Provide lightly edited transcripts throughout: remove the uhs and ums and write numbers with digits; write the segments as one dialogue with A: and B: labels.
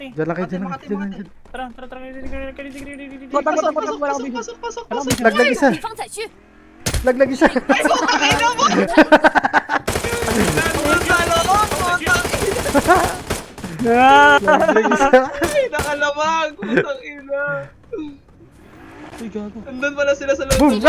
A: Diyan lang kayo, diyan lang.
B: Makati,
A: Diyan lang.
B: Makati.
A: Diyan.
B: Pasok.
A: Laglag isa.
C: 敌方载具，
A: Laglag isa.
B: Ay, putang ina mo! Nandun sa loob, putang
A: Laglag isa.
B: Ay, nakalamag, putang ina.
D: Uy, gago.
B: Nandun pala sila sa loob.
A: Boom.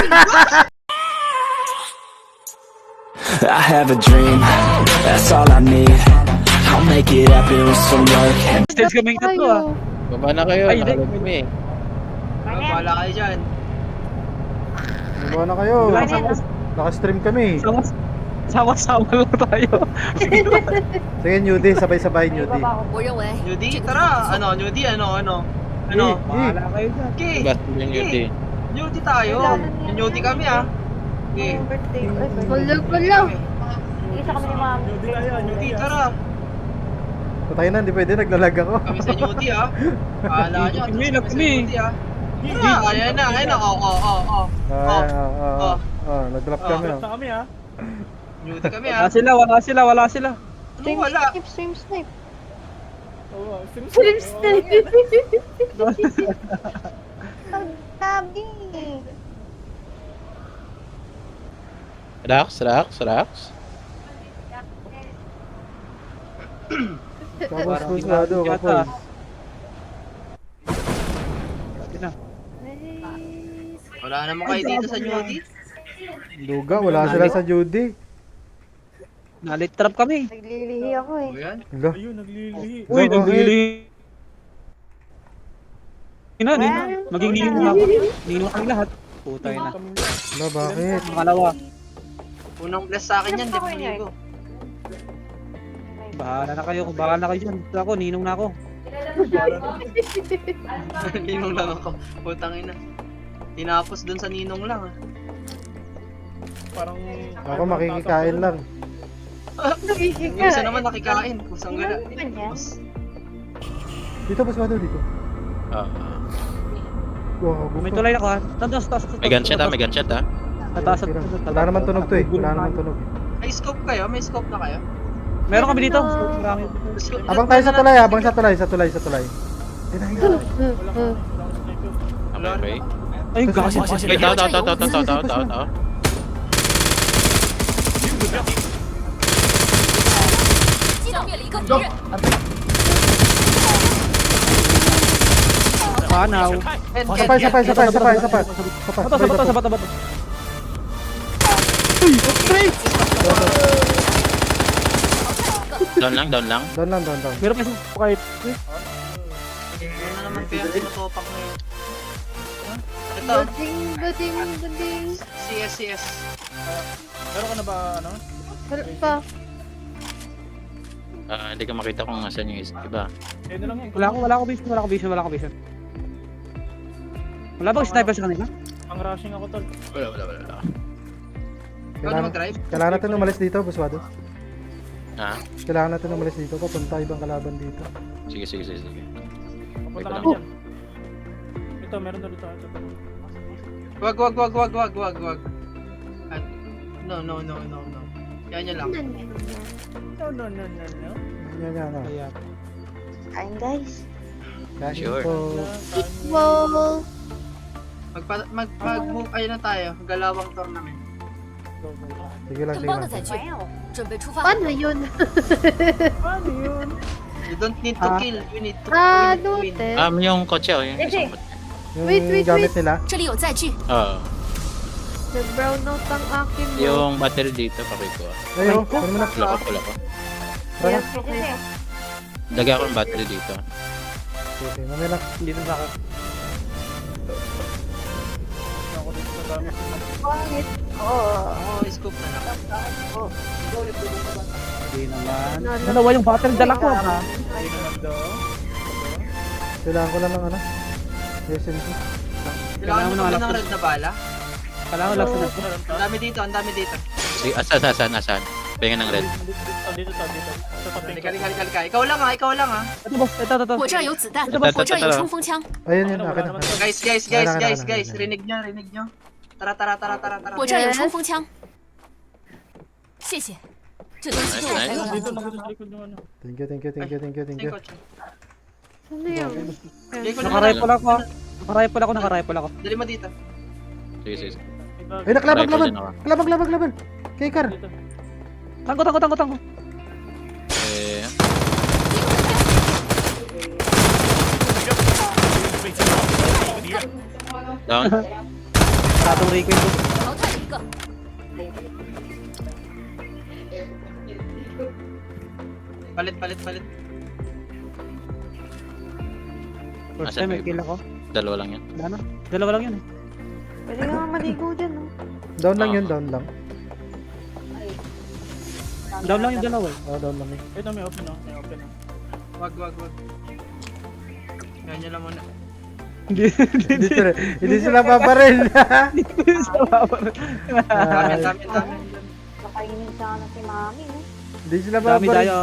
E: I have a dream, that's all I need. I'll make it happen with some work and
D: Stage kaming tatlo ah.
F: Baba na kayo,
D: Ay, hindi.
F: nakalag kami eh.
B: Wala kayo dyan.
A: Baba na kayo. Naka-stream kami.
D: Sama-sama lang tayo.
A: Sige, Newdy. Sabay-sabay, Newdy.
C: 我认为
B: Newdy,
C: 这个
B: tara. Ano, Newdy, ano?
D: Bahala kayo dyan.
B: Okay.
F: Basta yung yun eh.
B: Newdy tayo. Newdy kami ah. Okay.
G: Gulo. Isa kami ni ma'am.
B: Newdy, tara.
A: Patay na, hindi pwede. Naglalag ako.
B: Kami sa Newdy ah. Paala nyo.
D: Kami,
B: Kami sa
D: kami.
B: Newdy ah. Tara, ayan na. Oo.
A: Nag-drop kami. Oh.
B: Newdy kami ah.
D: Wala sila.
B: Ano wala?
G: Stream snipe. Stream snipe. Ang tabi.
F: Relax.
A: Kapos pusado, kapos.
B: Wala naman kayo dito sa Newdy.
A: Luga, wala sila sa Judy.
D: Nalit trap kami.
G: Naglilihi ako eh.
B: O yan.
A: Hala.
D: Uy,
A: Bakit?
D: naglilihi. Maging ninong na ako. Ninong kami lahat. Putay na.
A: Hala, bakit?
D: Makalawa.
B: Unang bless sa akin yan, di ba ligo?
D: Bahala na kayo. Bahala na kayo dyan. Basta ako, ninong na ako.
B: Ninong lang ako. Putang ina. Tinapos dun sa ninong lang ah.
A: Ako makikikain lang.
B: Yung isa naman nakikain. Kusang gala.
A: Dito, pusado dito. Wow,
D: May tulay na ko ha. Taas.
F: May gunshot ah.
D: Taas.
A: Wala naman tunog to eh. Wala naman tunog.
B: May scope kayo? May scope na kayo?
D: Meron kami dito. Marami.
A: Abang tayo sa tulay, abang sa tulay.
F: Okay.
D: Ay, gago.
F: Wait, tao.
C: 击倒灭了一个敌人，
D: Panaw.
A: Sapay.
D: Bato.
F: Down lang.
A: Down lang.
D: Meron kasi kahit.
B: Ano na naman kaya tinutopak mo yun? Ito,
G: Bading.
B: CS.
G: Wala pa.
F: Hindi ka makita kung asan yung iba.
D: Wala ko vision. Wala bang sniper sa kanila?
F: Wala.
B: Ikaw na mag-drive?
A: Kailangan natin umalis dito, buswado.
F: Ha?
A: Kailangan natin umalis dito, papunta ibang kalaban dito.
F: Sige.
H: Punta
F: Teka
H: kami
F: lang.
H: dyan. Ito, meron na dito.
B: Wag. No. Yan lang.
H: No.
A: Yan.
G: Kain guys.
A: Kain
F: Sure.
A: po.
G: Wow.
B: Mag-move, ayun na tayo. Galawang tournament.
A: Sige lang.
C: 更棒的载具，准备出发。
G: Paano yun?
B: You don't need to kill, you need to win.
G: Te.
F: Yung kotse oh. Yung isang kotse.
A: Yung
G: Wait.
A: gamit nila.
C: 这里有载具，
F: Oo.
G: Nag-brown out ang akin mo.
F: Yung battery dito, pakiko ah.
A: Ayo, ano mo na?
F: Wala ko.
A: Tara.
F: Lagay ako yung battery dito.
A: Okay, mamaya lang.
D: Dito sa akin.
G: Pangit. Oo.
B: Scope na lang.
D: Hindi naman. Dalawa yung battery dala ko ha.
A: Kailangan ko lang ng ano? SMG.
B: Kailangan mo
D: ng
B: naman
D: alak
B: ng
D: ko.
B: red na bala.
D: Kailangan lang sa
B: Ang dami dito.
F: Sige, asan? Pengen ng red.
H: Dito. Sa tabi ko.
B: Halika. Ikaw lang ah.
D: Ito boss, ito.
C: 我这儿有子弹，
F: Ito,
C: 我这儿有冲锋枪，
A: Ayun, akin na.
B: Guys. Rinig nyo. Tara.
C: 我这儿有冲锋枪。谢谢，这东西对我才有
F: Nice.
C: 帮
H: Dito
C: 助。
H: lang sa likod ng ano.
A: Thank you.
B: Thank you, Coach.
G: Ano yun?
B: Bigay ko na
D: Naka-rifle ako. Naka-rifle ako.
B: Dali mo dito.
F: Sige, sige.
A: Ay, naklabag,
F: Rifle
A: laban.
F: din ako.
A: Labag. Kay Car.
H: Dito.
D: Tango.
F: Eh, down.
D: Tatong Rico ito.
C: 淘汰了一个，
B: Palit.
D: First
F: Asan
D: time may
F: ba
D: kill
F: iba?
D: ako.
F: Dalawa lang yan.
D: Wala na. Dalawa lang yun eh.
G: Pwede nga maligo dyan, no?
A: Down lang
F: Ah.
A: yun, down lang.
D: Down lang yung dalawa eh.
A: Oh, down lang yun.
H: Ito may open, no? May open, no?
B: Wag. Ganyan lang muna.
A: Hindi sila paparel.
B: Dami.
G: Nakainin sana si mami, no?
A: Hindi sila
D: Dami
A: paparel.
D: tayo.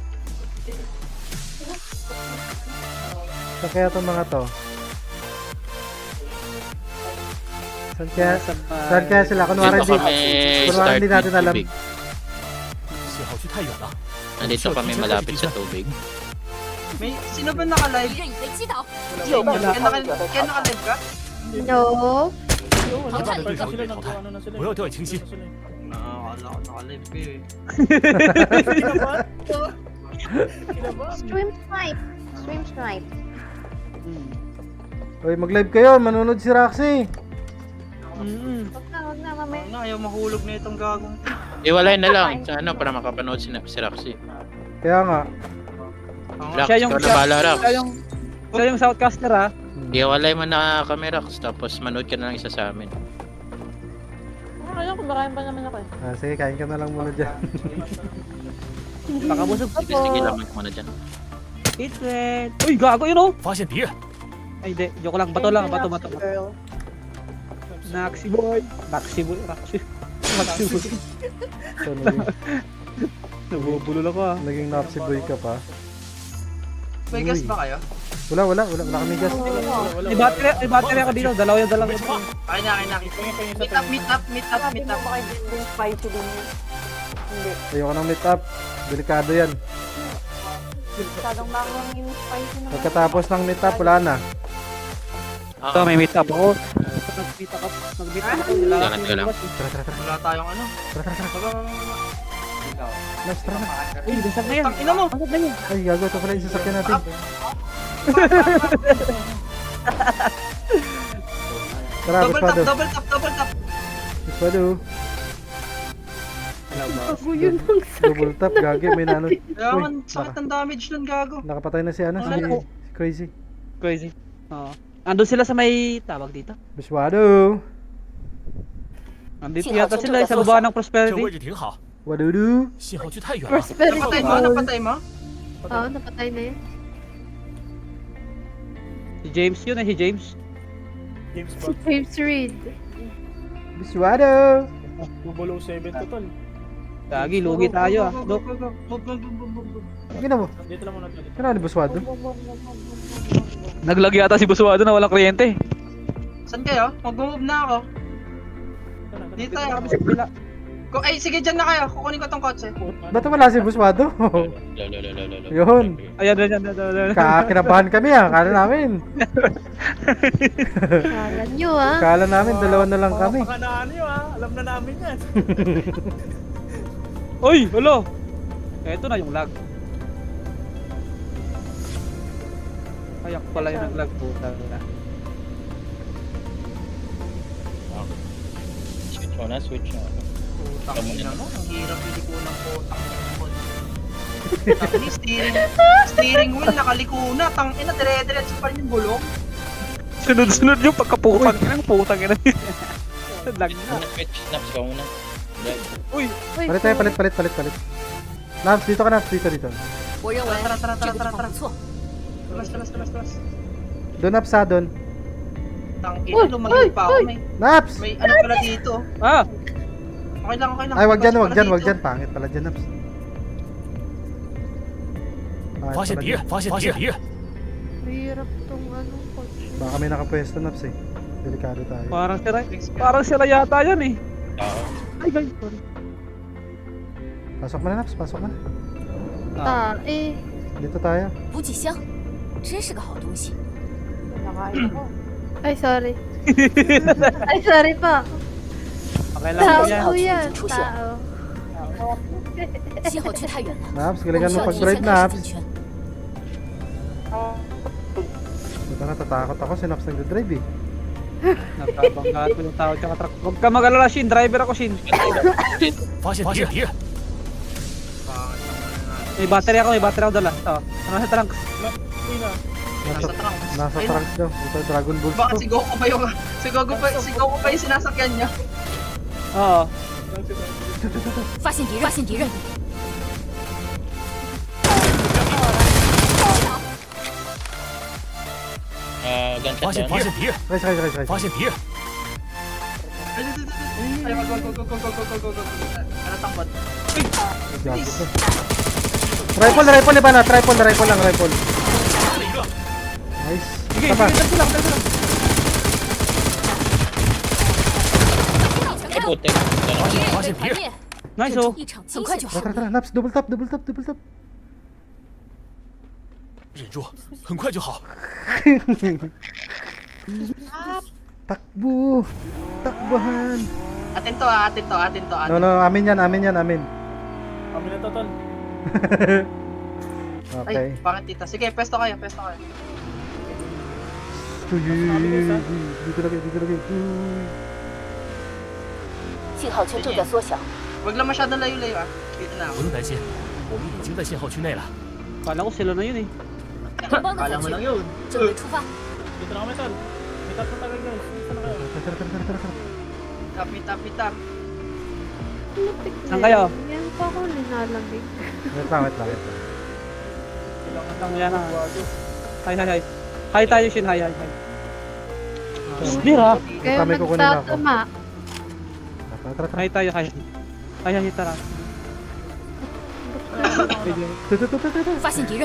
A: Saan kaya itong mga to? Saan kaya sila? Kunwari
F: Dito
A: hindi.
F: kami
A: Kunwari
F: start
A: hindi natin
F: with
A: alam.
F: tubig. Nandito kami malapit sa tubig.
B: May, sino ba
C: 敌
B: naka-live?
C: 人已被击倒，
B: Kaya naka-live ka?
G: No.
C: 淘汰了一个，
H: Sila nag-ano na sila.
I: 不要掉以轻心。
B: Akala ko naka-live ka eh.
G: Swim snipe.
A: Uy, mag-live kayo. Manunod si Roxy.
G: Huwag na, mamaya.
B: Ano, ayaw mahulog na itong gagong.
F: Iwalay na lang sa ano para makapanood si Roxy.
A: Kaya nga.
F: Rax,
D: Siya yung-
F: ikaw na bahala, Rax.
D: Siya yung Southcaster ha.
F: Iwalay mo na kami, Rax, tapos manood ka na lang isa sa amin.
G: Ano, kumakain pa naman ako eh.
A: Ah, sige, kain ka na lang muna dyan.
D: Baka busog.
F: Sige, lamig mo na dyan.
D: It's red. Uy, gago yun oh.
I: 发现敌人，
D: Ay, di. Joke lang. Bato lang. Bato. Naxi boy. Naxi boy.
A: So,
D: Nabubulol ako ah.
A: naging napsi boy ka pa.
B: May gas ba kayo?
A: Wala kami gas.
D: May battery ako dito. Dalawa yung dalawa.
B: Akin na. Meet up.
G: Sabi mo ba kayo din spicy din yun? Hindi.
A: Ayoko ng meet up. Delikado yan.
G: Masyadong makuha yung spicy naman.
A: Pagkatapos ng meet up, wala na.
D: Ito, may meet up ako. Nag-meet up ako.
F: Kailangan ka lang.
B: Wala tayong ano.
A: Nice, tara na.
D: Uy, dasag na yan.
B: Tang ina mo.
A: Ay, gago. Ito pala yung sasakyan natin. Tara, Buspado.
B: Double tap.
A: Buspado.
G: Ako yun ang
A: Double tap, gagi. May nano.
B: Kaya man, sakit ng damage nun, gago.
A: Nakapatay na si ano, si Crazy.
D: Crazy. Oo. Andun sila sa may tawag dito.
A: Buspado.
D: Andito yata sila sa baba ng
I: 这
D: Prosperity.
I: 位置挺好，
A: Wadudu.
I: 信号区太远了。
G: prosperity.
B: Napatay mo?
G: Oo, napatay na yun.
D: Si James yun eh, si James.
H: James
G: Si
H: Bond.
G: James Reed.
A: Buspado.
H: Bubolo 7 total.
D: Gagi, lugi tayo ah. Look.
A: Gina mo.
H: Dito lang muna tayo.
A: Kaya ni Buspado.
D: Naglag yata si Buswado na walang kuryente.
B: Saan kayo? Mag-move na ako. Dito tayo.
D: Kami sa kabila.
B: Ay, sige, dyan na kayo. Kukunin ko tong kotse.
A: Ba't wala si Buspado? Yun.
D: Ayan.
A: Kinabahan kami ah. Kala namin.
G: Kala nyo ah.
A: Kala namin, dalawa na lang kami.
H: Baka na ano yun, ha? Alam na namin yan.
D: Uy, hello. Eto na yung lag. Ayak pala yung nag-lag po.
F: Switch na.
B: Putang ina mo. Ang hirap hindi ko ng potang steering wheel nakaliko na. Tang ina, dire-diretso pa rin yung gulong.
D: Sunod-sunod yung pagkaputang ina. Putang ina. Lag na.
F: Switch, snaps ka muna.
D: Uy,
A: Palit. Naps, dito ka Naps. Dito.
C: 我认为
B: Tara,
C: 这个地方不错。
B: Talas.
A: Doon Naps ha, doon.
B: Tang ina, lumayo pa ako.
A: Naps!
B: May ano pala dito.
D: ah.
B: Okay lang.
A: Ay, wag dyan.
B: Pala dito.
A: Pangit pala dyan, Naps.
I: 发现敌人，发现敌人，
G: Hirap tong ano, kotse.
A: Baka may nakapwesto, Naps eh. Delikado tayo.
D: Parang sila yata yan eh. Ay, guys, sorry.
A: Pasok mo na, Naps. Pasok mo na.
G: Eh.
A: Dito tayo.
C: 补给箱， 真是个好东西。
G: Nakain ako. Ay, sorry. Ay, sorry po.
D: Okay lang
G: Tao
D: po yan.
G: po yan.
C: 出现
G: Tao.
C: 信号区太远了，
A: Naps,
C: 我
A: galingan
C: 们需
A: mo
C: 要提
A: pag-drive,
C: 前开始
A: Naps.
C: 进圈。
A: Buta natatakot ako, si Naps nagdadrive eh.
D: Nagkabangga ko yung tao tsaka truck. Huwag ka mag-alala, Shin. Driver ako, Shin.
I: 发现敌人，
D: May battery ako dala. Ito. Ano sa trunk?
A: Nasa,
B: Nasa trunk.
A: nasa trunk daw. Ito, Dragon Balls
B: Baka
A: to.
B: si Goku pa yung... Si Goku pa yung sinasakyan niya.
D: Oo.
C: 发现敌人，发现敌人，
F: Gunshot
I: 发现
F: down.
I: 敌人，
A: Guys, guys, guys, guys.
I: 发现敌人，
B: Ay, go. Ano takbot?
A: Gago to. Rifle, iba na. Rifle lang, rifle.
I: 杀了一个，
A: Nice.
D: Sige,
A: Isa pa.
D: sige, lang, lang.
C: 全
F: Ay,
C: 开，
F: putik. Ganun.
C: 敌人
I: 发现敌人，
C: 被团灭，
D: Nice,
C: 这
D: oh.
C: 一场很快就好
A: Tara,。tara, Naps, double tap.
I: 忍住，很快就好。
A: Takbo. Takbahan.
B: Atin to.
A: No, amin yan.
H: Kami na to, tol.
A: Okay.
B: Ay, bakit tita? Sige, pesto kayo.
A: Uy. Dito lagi. Uy.
C: 信号圈正在缩小，
B: Huwag lang masyadong layo-layo ah. Dito na ako.
I: 不用担心，我们已经在信号区内了。
D: Kala ko sila na yun eh.
C: 同邦的
B: Kala
C: 粉
B: mo lang
C: 军
B: yun.
C: 准备出发。
H: Dito na kami, tol. May tatlo tayo, guys. Isa na kayo.
A: Tara.
B: Tap.
G: Lutik na
D: Saan kayo?
G: yan. Yan pa ako linalamig.
A: Wait lang.
H: Kailangan
D: Lang yan ah.
H: bago.
D: Hi. Hi tayo, Shin. Hi. Bira.
G: Kayo
A: Kami kukunin ako.
G: magtatama.
A: Tara.
D: Hi tayo, hi. Hi, tara.
C: 发现敌人，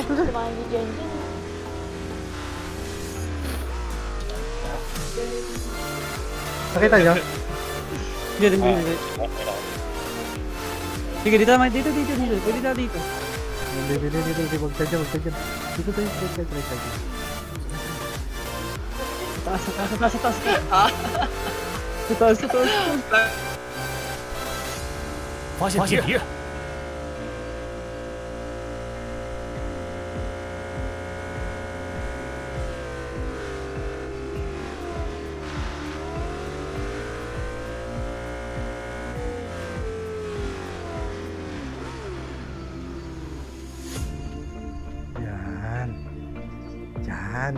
A: Nakita niyo?
D: Hindi. Sige, dito naman. Dito. Pwede tayo dito.
A: Hindi. Huwag tayo dyan. Dito tayo.
D: Taas.
B: Ah.
D: Taas.
I: 发现敌人，
A: Yan.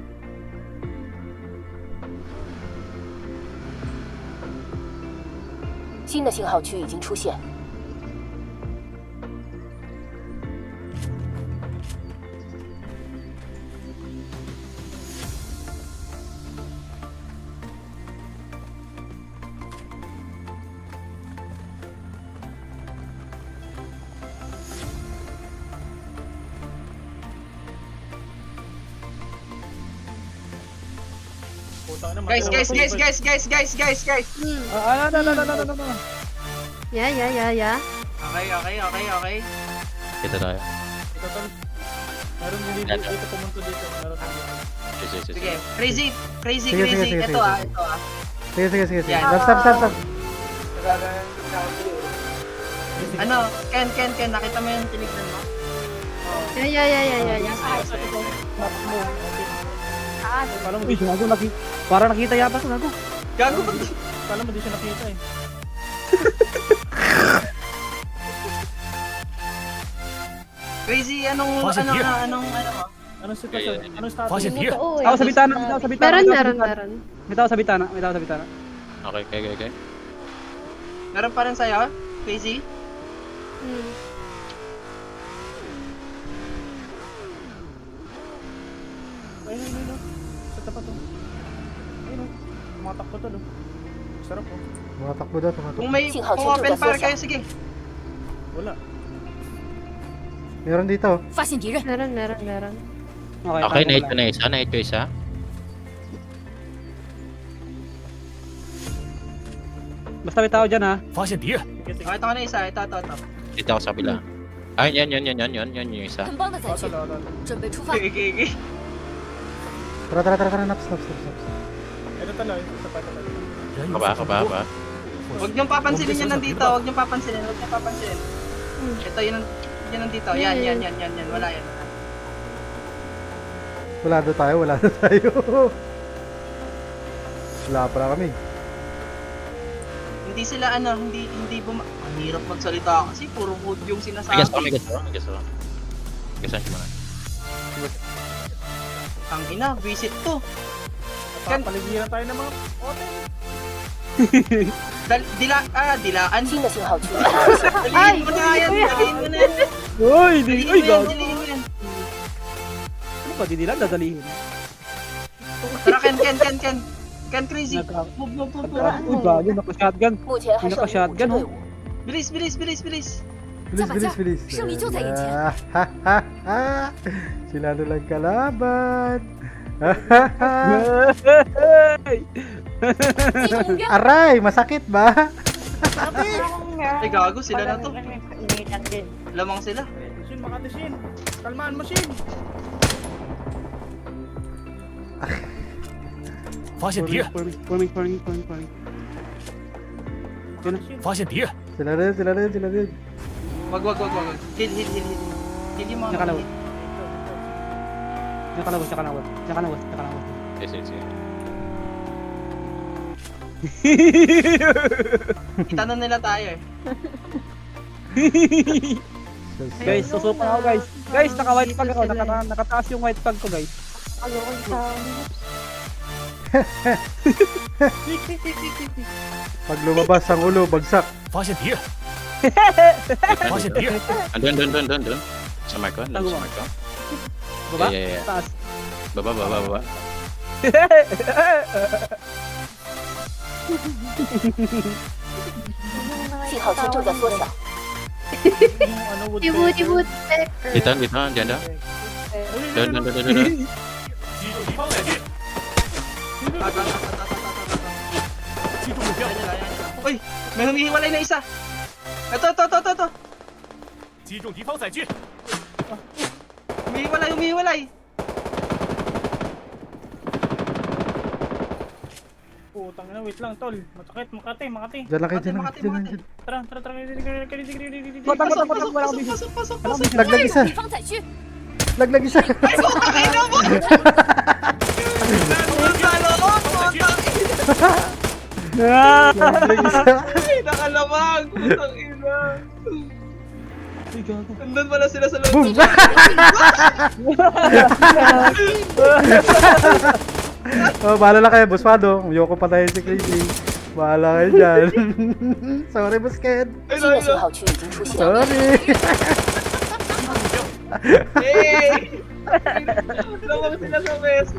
C: 新的信号区已经出现。
H: Putang ina,
B: Guys.
D: Ano.
G: Ya.
B: Okay.
F: Kita tayo.
H: Ito, tol. Meron dito pumunta dito. Meron dito.
F: Sige.
B: Sige, crazy.
A: Sige.
B: Ito ah.
A: Sige.
B: Yan.
A: Stop.
B: Ano, Ken, nakita mo yung tinignan mo?
G: Ya.
H: Kala mo
D: Uy, gago. Para nakita yata ko, gago.
B: Gago ba?
H: Kala mo di siya nakita eh.
B: Crazy, anong mo?
H: Anong sitwasyon? Anong status?
I: 发现敌人，
D: Tao sa bitana.
G: Meron.
D: May tao sa bitana.
F: Okay.
B: Meron pa rin sa'yo? Crazy?
H: Ayun. Sa tapat to. Ayun. Tumatakbo to, no? Sarap oh.
A: Tumatakbo daw.
B: Kung open fire kayo, sige.
H: Wala.
A: Meron dito.
C: 发现敌人，
G: Meron.
F: Okay, na-hit ko na isa.
D: Basta may tao dyan ha.
I: 发现敌人，
H: Sige.
B: Okay, ito ka na isa. Ito.
F: Dito ako sa kabila. Ay, yan yung isa.
C: 很棒的载具
H: Tol.
C: 准备出发。
B: Okay.
A: Tara, naps.
H: Ito talo, ito pa talo.
I: 人有
F: Kaba,
I: 所
F: kaba,
I: 不
F: kaba.
I: 多，
B: Huwag niyong papansinin yan nandito. Huwag niyong papansinin. Ito yun nandito. Yan. Wala yan.
A: Wala na tayo. Wala pa kami.
B: Hindi sila hindi ang hirap magsalita kasi puro wood yung
F: May
B: sinasabi.
F: gas ako. Gasan siya muna.
B: Ang ina, visit to.
H: Papaligiran tayo ng mga ote.
B: Dilaan.
C: 新的信号区域。
B: Dalihin mo na yan.
D: Uy, di, uy, gago.
B: Dalihin mo yan.
D: Ano ba, di nila dadalihin?
B: Tara, Ken crazy. Move.
D: Uy, gago, naka-shotgun.
C: 目前还剩5支队伍，
B: Bilis.
A: Bilis.
C: 胜利就在眼前。
A: Sila na lang kalaban.
C: 击中目标，
A: Aray, masakit ba?
B: Ay gago, sila na to. Lamang sila.
H: Shin, Makati Shin. Kalmaan mo Shin.
I: 发现敌人，
D: Forming.
I: 发现敌人，
A: Sila rin.
B: Wag. Heal. Heal yung mga
D: Diyan ka na,
B: heal.
D: Diyan ka na.
F: Sige.
B: Itanong nila tayo eh.
D: Guys, susupan ako guys. Guys, naka-white pag ako. Nakataas yung white pag ko guys.
A: Pag lumabas ang ulo, bagsak.
I: 发现敌人，发现敌人，
F: Andun. Sa Marco. Sa Marco.
D: Baba?
F: Yeah.
D: Taas.
F: Baba.
C: 信号圈正在缩小，
G: Ibut-ibut.
F: Dito. Diyan daw. Doon.
I: 击中敌方载具，击中目标，
B: Uy, may humihiwalay na isa. Ito.
I: 击中敌方载具，
B: Humihiwalay.
H: Putang ina, wait lang tol. Masakit, Makati.
A: Diyan lang kayo.
H: Tara.
B: Pasok.
A: Laglag isa.
C: 敌方载具，
A: Laglag isa.
B: Ay, nakalamang. Putang ina. Nandun pala sila sa loob.
A: Boom! Oh, bahala lang kayo, Boss Pado. Ayoko patayin si Crazy. Bahala kayo dyan. Sorry, Boss Ken.
C: 新的信号区已经出现。
A: Sorry.
B: Hey! Lamang sila sa peso.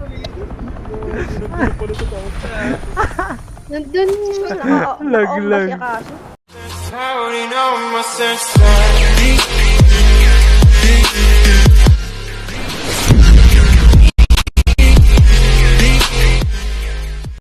G: Nandun.
A: Laglag.
J: I already know my sense.